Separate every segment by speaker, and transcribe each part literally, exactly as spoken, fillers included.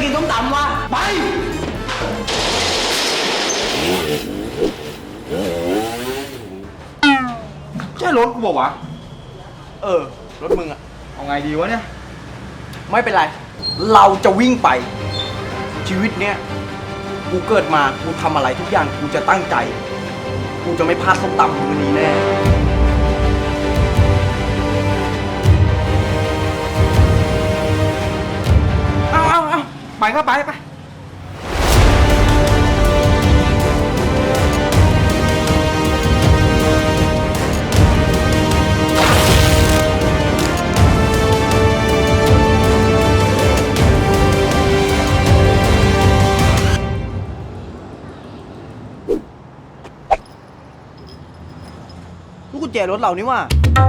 Speaker 1: กินส้มตำวะไปใช่รถกูบอกวะเออรถมึงอะเอาไงดีวะเนี่ยไม่เป็นไรเราจะวิ่งไปชีวิตเนี้ยกูเกิดมากูทำอะไรทุกอย่างกูจะตั้งใจกูจะไม่พลาดส้มตำมื้อนี้แน่เอาเอาเอาไปก็ไปไปลูกกุญแจรถเรานี่ว่า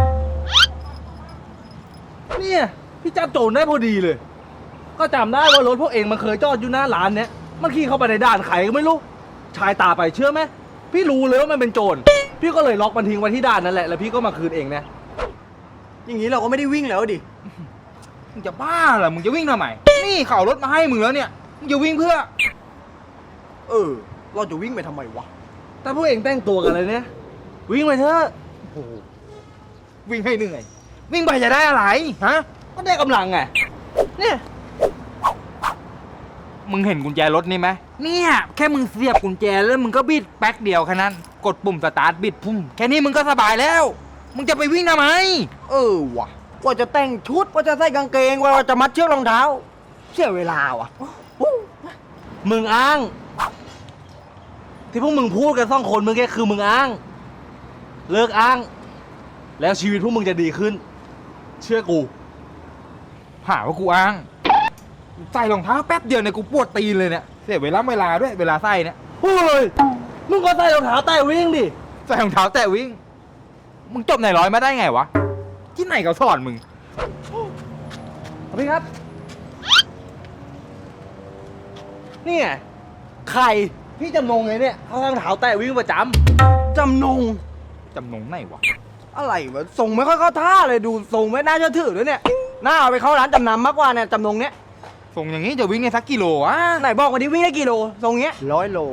Speaker 1: เนี่ยพี่จับโจรได้พอดีเลยก็จำได้ว่ารถพวกเองมันเคยจอดอยู่หน้าร้านเนี้ยมันขี่เข้าไปในด่านไขก็ไม่รู้ชายตาไปเชื่อไหมพี่รู้เลยว่ามันเป็นโจรพี่ก็เลยล็อกมันทิ้งไว้ที่ด่านนั่นแหละแล้วพี่ก็มาคืนเองนะอย่างนี้เราก็ไม่ได้วิ่งแล้วดิมึงจะบ้าเหรอมึงจะวิ่งทำไมนี่เขารถมาให้มึงแล้วเนี่ยมึงจะวิ่งเพื่อเออเราจะวิ่งไปทำไมวะแต่พวกเองแต่งตัวกันเลยเนี่ยวิ่งไปเถอะโอ้โหวิ่งให้เหนื่อยวิ่งไปจะได้อะไรฮะก็ได้กำลังไงเนี่ยมึงเห็นกุญแจรถนี่ไหมเนี่ยแค่มึงเสียบกุญแจแล้วมึงก็บิดแป๊กเดียวแค่นั้นกดปุ่มสตาร์ทบิดพุ่มแค่นี้มึงก็สบายแล้วมึงจะไปวิ่งทำไมเออวะกว่าจะแต่งชุดกว่าจะใส่กางเกงกว่าจะมัดเชือกรองเท้าเสียเวลาวะมึงอ้างที่พวกมึงพูดกันสองคนมึงแค่คือมึงอ้างเลิกอ้างแล้วชีวิตพวกมึงจะดีขึ้นเชื่อกูหาว่ากูอ้างใส่รองเท้าแป๊บเดียวเนี่ยกูปวดตีนเลยเนี่ยเสียเวลาเวลาด้วยเวลาใส่เนี่ยเฮ้ยมึงก็ใส่รองเท้าแตะวิ่งดิใส่รองเท้าแตะวิ่งมึงจบไหนร้อยมาได้ไงวะที่ไหนเขาสอนมึงพี่ครับนี่ไงใครพี่จำนงไงเนี่ยเขาใส่รองเท้าแตะวิ่งประจำจำนงจำนงไหนวะอะไรวะส่งไม่ค่อยเข้าท่าเลยดูส่งไม่น่าเชื่อถือด้วยเนี่ยน่าเอาไปเข้าร้านจำนำมากกว่าเนี่ยจำนงเนี้ยส่งอย่างนี้จะวิ่งได้สักกิโลวะไหนบอกวันนี้วิ่งได้กิโลส่งเงี้ยร้อยโล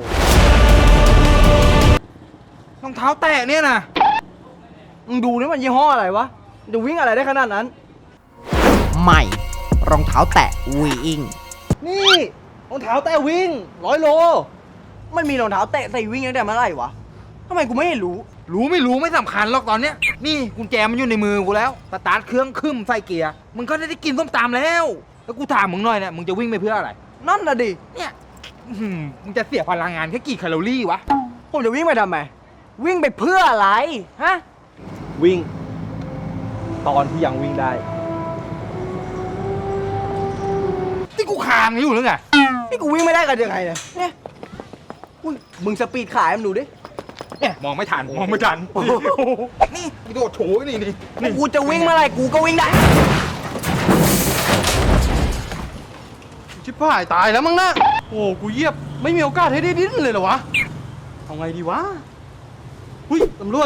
Speaker 1: รองเท้าแตะเนี่ยนะมึงดูนี่มันยี่ห้ออะไรวะจะวิ่งอะไรได้ขนาดนั้น
Speaker 2: ใหม่รองเท้าแตะวิ่ง
Speaker 1: นี่รองเท้าแตะวิ่งร้อยโลมันมีรองเท้าแตะใส่วิ่งตั้งแต่เมื่อไหร่วะทำไมกูไม่เห็นรู้รู้ไม่รู้ไม่สำคัญหรอกตอนเนี้ยนี่กุญแจมันอยู่ในมือกูแล้วสตาร์ทเครื่องขึ้นใส่เกียร์มึงก็ได้กินส้มตำแล้วแล้วกูถามมึงหน่อยเนี่ยมึงจะวิ่งไปเพื่ออะไรนั่นน่ะดิเนี่ยมึงจะเสียพลังงานแค่กี่แคลอรี่วะผมจะวิ่งไปทำไมวิ่งไปเพื่ออะไรฮะวิ่งตอนที่ยังวิ่งได้ที่กูคางอยู่หรือไงที่กูวิ่งไม่ได้กันยังไงเนี่ยเนี่ยมึงสปีดขายมันดูดิเนี่ยมองไม่ทันมองไม่ทันนี่โดดโถนี่นี่กูจะวิ่งเมื่อไรกูก็วิ่งได้ชิบหายตายแล้วมั้งนะโอ้กูเยียบไม่มีโอกาสให้ได้ดิ้นเลยเหรอวะเอาไงดีวะหุ้ยตำรวจ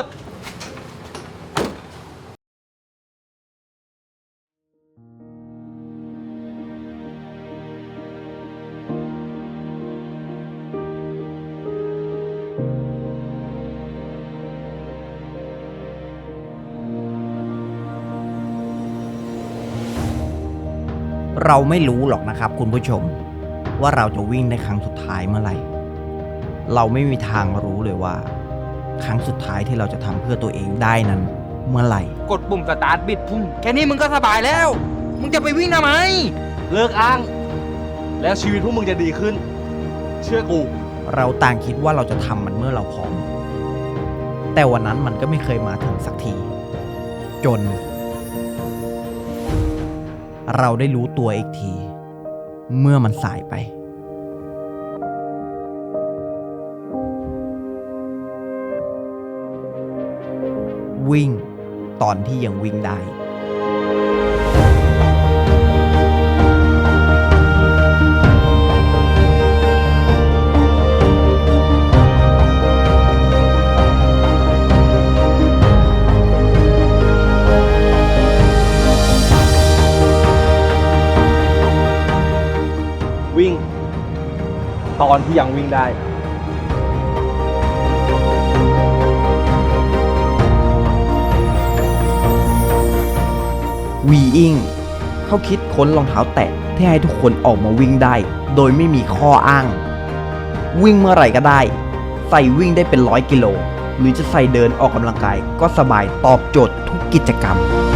Speaker 2: เราไม่รู้หรอกนะครับคุณผู้ชมว่าเราจะวิ่งในครั้งสุดท้ายเมื่อไหร่เราไม่มีทางรู้เลยว่าครั้งสุดท้ายที่เราจะทำเพื่อตัวเองได้นั้นเมื่อไหร่
Speaker 1: กดปุ่มสตาร์ทบิดพุ่งแค่นี้มึงก็สบายแล้วมึงจะไปวิ่งทำไมเลิกอ้างแล้วชีวิตพวกมึงจะดีขึ้นเชื่อกู
Speaker 2: เราต่างคิดว่าเราจะทำมันเมื่อเราพร้อมแต่วันนั้นมันก็ไม่เคยมาถึงสักทีจนเราได้รู้ตัวอีกทีเมื่อมันสายไปวิ่งตอนที่ยังวิ่งได้
Speaker 1: วิ่ง ตอนที่ยังวิ่งได้
Speaker 2: วีอิงเขาคิดค้นรองเท้าแตะที่ให้ทุกคนออกมาวิ่งได้ โดยไม่มีข้ออ้าง วิ่งเมื่อไหร่ก็ได้ ใส่วิ่งได้เป็นร้อยกิโล หรือจะใส่เดินออกกำลังกายก็สบายตอบโจทย์ทุกกิจกรรม